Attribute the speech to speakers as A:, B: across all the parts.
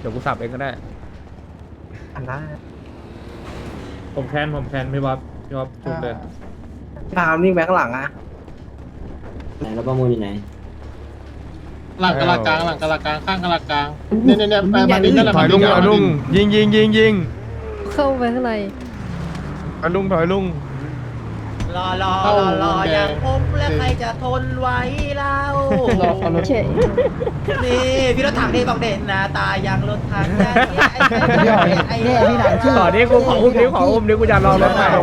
A: เดี๋ยวกูสับเองก็ได้
B: อันนั้น
A: ผมแคนพี่บ๊อบจุดเลย
B: ตามนี่แบงค์หลังอ่ะ
C: ไหนแล้วประมูลอยู่ไหน
D: หลังกะลากลางหลังกะลากลางข้างกะลากลางเนี่ยไปมาดินั่นแหละ
A: ถอยลุงยิง
E: เข้าไปข้างใน
A: ถอยลุง
F: รออย่างผมและใครจะทนไหว้เรา
E: เฉย
F: นี่พี่รถถังนี่บอกเด่นหน้าตาอย่างรถถังอย่างเงี้ยไอ้พี่หนังชื่อ
A: ต่อนี้กูขออุ้มนิ้วกูจะลองรถใหม่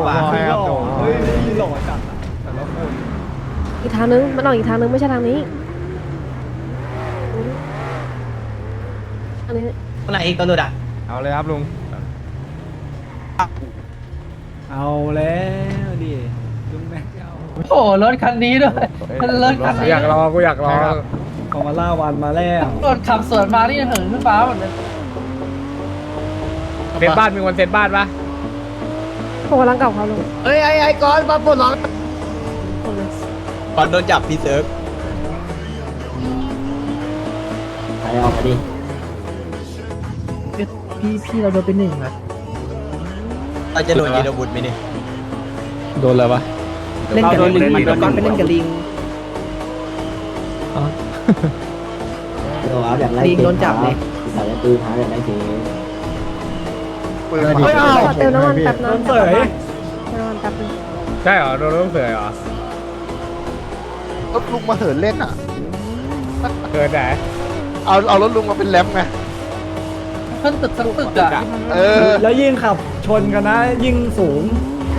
E: อีกทางนึงมันออกอีกทางนึงไม่ใช่ทางนี้อันนี้
F: คนไหนอีกตัวหลุดอ่ะ
A: เอาเลยครับลุง
B: เอาแล้วดิลุงแม็กเอา
D: โอ้รถคันนี้ด้วยรถคันนี้
A: อยากรอ
B: ของมาล่าวันมาแล้ว
D: รถขับสวนมานี่เหินขึ้นฟ้าหมดเลย
A: เซตบ้านมีคนเซตบ้านปะ
E: ผมกำลังกลับเขาลง
F: เฮ้ยไอ้ก้อนมาปลดล็อก
G: ก่อนโดนจับพี่เซิร์ฟ
C: ใครออกมาดิ
B: พี่เราโดนเป็นหนึ่งนะ
G: เราจะโดนยีดบุตรไหมนี่
A: โดนอะไรวะ
B: เล่นกับลิงก้อนไปเล่นกับลิง
C: เดี๋ยวเอาแบบไล่
B: ลิงโดนจับเลย
C: ใส่ปืนหาแบบไล่เก๋
E: ขอเติมน้ำมันแป๊บนึงเติมน้ำมันแป๊บนึง
A: ใช่เหรอโดนรถเสือเหรอ
H: รถลุงมาเหินเล่นอ่ะ
A: เกิดไหน
H: เอารถลุงมาเป็นแรมไง
D: ขึ้นตึกสักตึกอ่ะ
B: แล้วยิ่งขับชนกันนะ ยิ่งสูง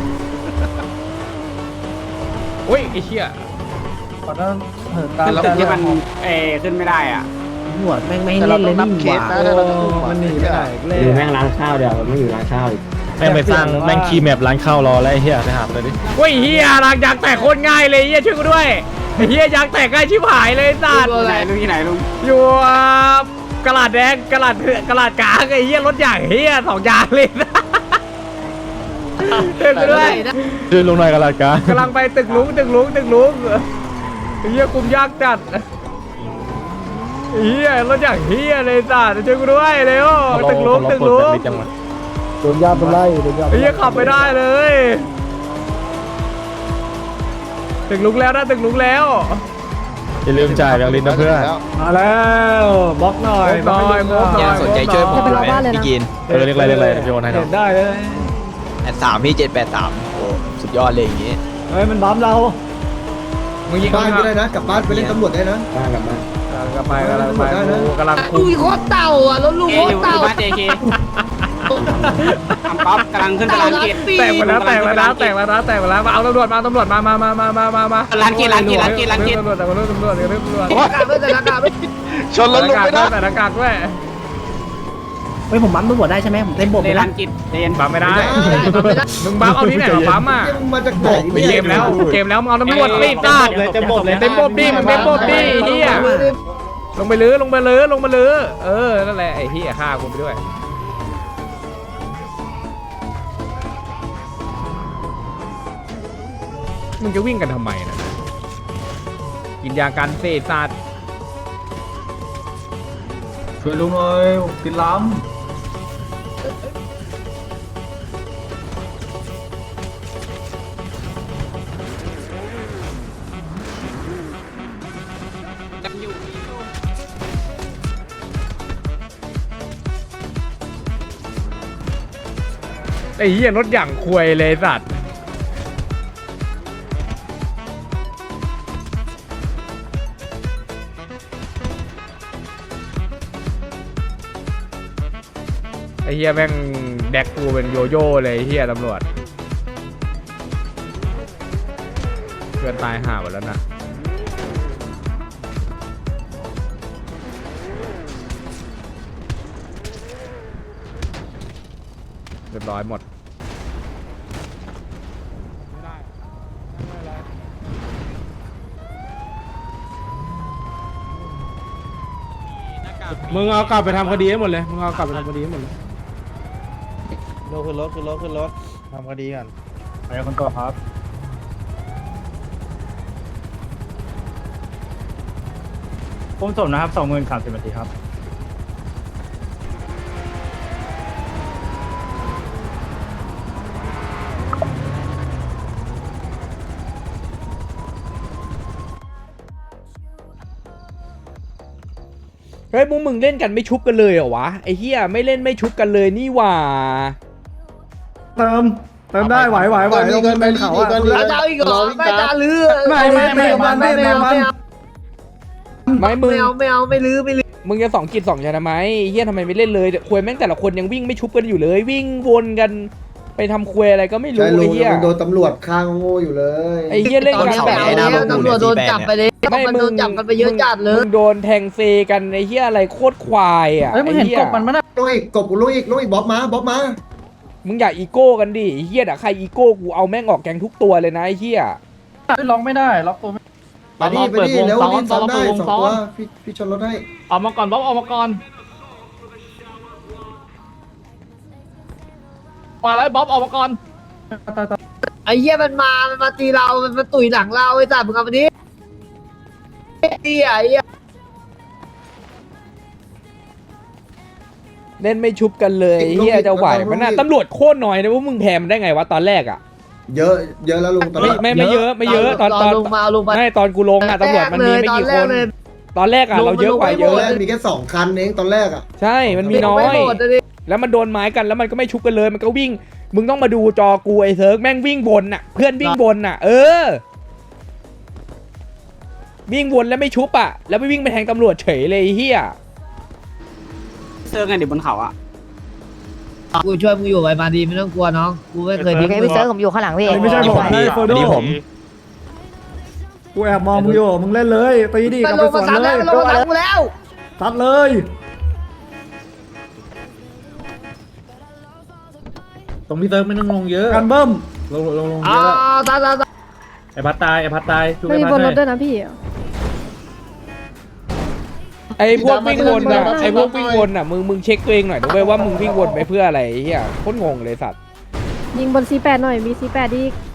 A: อุ้ยไอ้เชี่ย
D: ขอต้องเหินตาม
H: ตึกที่มัน
G: ขึ้นไม่ได้อ่ะ
B: หัวแม่งไม่ให้
H: แต่เรา
B: เล่น
H: ต้
B: เล
H: อย งนับ
B: นี่
H: เค
B: ห
H: ส
B: ว่า
H: นะถ้าเราจะลุง
B: มันหนีไม่ได้เลย
C: ดูแม่งร้านข้าวเดี๋ยวไม่อยู่ร้านข้าวอีก
A: แม่งไปสร้างแม่งคีย์แมปร้านข้าวรอแล้วไอ้เหี้ยไปหาเลยดิอุ้ยเหี้ยหลังยางแตกโคตรง่ายเลยเหี้ยช่วยกูด้วยไอ้เหี้ยยางแตกง่ายชิบหายเลยสัตว์
G: ไหนลุงที่ไหนลุง
A: อยู่กระดาษแดงกระดาษกลางไอ้เหี้ยรถใหญ่เหี้ย2อย่างเลยนะช่วยกูด้วย
G: ช่วยลุงหน่อยกันละกัน
A: กำลังไปตึกลุงไอ้เหี้ยกลุ่มยากจัดไอ้เหี้ยรถอย่างเหี้ยเลยสัตว์ช่วยกูด้วยเร็วตึกลุง
B: โดนยาเป็นไล่โดนยา
A: ไอ้เหี้ยขับไม่ได้เลยตึกลุงแล้วนะตึกลุงแล้ว
G: อย่าลืมจ่ายแบงค์ลินนะเพื่อน
B: มาแล้วบล็อกหน่อย
G: ยังสนใจช่วยผมไหมพี่กินเรียกอะไรพี่โอนให้
B: เห็
G: น้อง
B: นได้เลย
G: 83พี่783โอ้สุดยอดเลยอย่างงี้
B: เฮ้ยมันบัมเรา
A: มึงยิง
H: บ้านก็ได้นะกลับบ้านไปเล่นตำรวจได้นะ
C: บ้านกับบ้าน
A: กำลังคุ
F: ลุยโคตรเต่าอ่ะรถลุงโคตรเต่า
G: ป๊อปกำลังขึ้นตารางเกียรติ
A: แตกมาแล้วมาเอาตำรวจมา
G: ร้านเกียรติ
A: ตำรวจ
H: ชนรถลุงไม่ได้
A: แต่หน้ากากด้วย
B: เฮ้ยผมบัมตำรวจได้ใช่ไหมผมเต้นบท
G: ใน
B: ไม่ได้
G: ร้านกิจเรียน
A: บัมไม่ได้มึงบัมเอาที่ไหนมาบัมอ่ะ
H: มาจากไหน
A: เกมแล้วมึงเอาตำรวจไม่ได้เต็มบบดิมึงเต็มบบดิเฮียลงไปลื้อนั่นแหละไอ้เฮียฆ่ากูไปด้วยมึงจะวิ่งกันทำไมนะกินยากันเสพสัตว์
B: ช่วยลุงหน่อยกินล้ำ
A: ไอ้เหี้ยรถอย่างควยเลยสัตว์ไอ้เหี้ยแม่งแดกกูเป็นโยโย่เลยไอ้เหี้ยตำรวจเพื่อนตายห่าหมดแล้วนะเรียบร้อยหมดมึงเอากลับไปทำคดีให้หมดเลยมึงเอากลับไปทำคดีให้หมดเลยขึ้นรถทำคดีกันไปคนต่อครับผมสมนะครับ20,030 นาทีครับเฮ้ยมึงเล่นกันไม่ชุบกันเลยเหรอวะไอ้เหี้ยไม่เล่นไม่ชุบกันเลยนี่หว่า
B: เติมได้ไหวลงเป็นเขาอ่ะ
F: แล้วเจ้าอีกเหรอไม่ตาลือ
B: ไม่มันไม่
A: ไม่มึง
F: ไม่เอาไม่ลือ
A: มึงจะ2 กิจ 2 ชนะทำไมเฮียทำไมไม่เล่นเลยควยแม่งแต่ละคนยังวิ่งไม่ชุบกันอยู่เลย วิ่งวนกันไปทำควยอะไรก็ไม่รู้ไอ้เฮีย
H: โดนตำรวจข้างโง่อยู่เลย
A: ไอ้เฮียเล่นกัน
F: ตำรวจโดนจับไปเลยมันโดนจับกันไปเยอะจัดเลย
A: มึงโดนแทงเซกันไอ้เฮียอะไรโคตรควายอ่ะ
B: เฮ้ยมึงเห็นกบมันมั้ยน่ะ
H: ลุงอีกบ๊อบมา
A: มึงอย่าอีโก้กันดิไอ้เฮียแต่ใครอีโก้กูเอาแม่งออกแกงทุกตัวเลยนะไอ้เฮีย
B: ล็อกไม่ได้ล็อกตัวไม่
H: ไปดิแล้วนี่ซ้ำได้2 ตัวพี่ชนรถให้
B: ออกมาก่อนบ๊อบออกมาก่อนมาแล้วบ๊อบออกมาก่อน
F: ไอ้เหี้ยมันมาตีเรามันมาตุ๋ยหลังเราไอ้สัตว์มึงเอามาดิไอ้เหี้ย
A: เล่นไม่ชุบกันเลยเฮียจะไหวมันน่ะตำรวจโคตรน้อยนะว่ามึงแพ้มันได้ไงวะตอนแรกอ่ะ
H: เยอะแล้วลุงตอนนี้
A: ไม่เยอะตอน
F: ลงมาลงมา
A: ไม่ตอนกูลงอ่ะตำรวจมันมีไม่กี่คนตอนแรกอ่ะเราเยอะกว่าเย
H: ตอน
A: อะ
H: แรกมีแค่2 คันเองตอนแรกอ่ะ
A: ใช่มันมีน้อย แล้วมันโดนไม้กันแล้วมันก็ไม่ชุบกันเลยมันก็วิ่งมึงต้องมาดูจอกูไอ้เซิร์กแม่งวิ่งบนน่ะเพื่อนวิ่งบนน่ะวิ่งวนแล้วไม่ชุบอ่ะแล้วไปวิ่งไปแทงตำรวจเฉยเลยไอ้เฮีย
G: เซิร์ฟไงเดี๋ยวบนเขาอ่ะ
F: กูช่วยมึงอยู่ไปมาดีไม่ต้องกลัวน้องกูไม่เคยทิ้ง
E: พี่เซิร์ฟผมอยู่ข้างหลังพี่
B: ไม่ใช่ผมนะโฟโด
G: นี่ผม
B: กูแอบมองมึงอยู่มึงเล่นเลยตีดิ
F: มัน
B: กลับ
F: ล
B: ไป
F: ง
B: ส
F: มา
B: วน
F: ซัด
B: เล
F: แล้ว
B: ย
F: มันลงมาซัดกูแล้ว
B: ซัดเลยตรงพี่เซิร์ฟไม่ต้องลงเยอะกันเบิ้มลงเย
F: อ่า
B: อะ
F: ตาย
B: ไอ้พัดตายช่วย
E: ไม่มี
B: ไอ้
E: บ
B: พัด
E: นร
B: เล
E: ถด้วยนะพี่
A: ไอ้พวกวิ่งวนน่ะไอ้พวกวิ่งวนน่ะมึงเช็คตัวเองหน่อยนะเว้ยว่ามึงวิ่งวนไปเพื่ออะไรไอ้เฮียโคตรงงเลยสัตว์
E: ยิงบน C8 หน่อยมี C8 อีก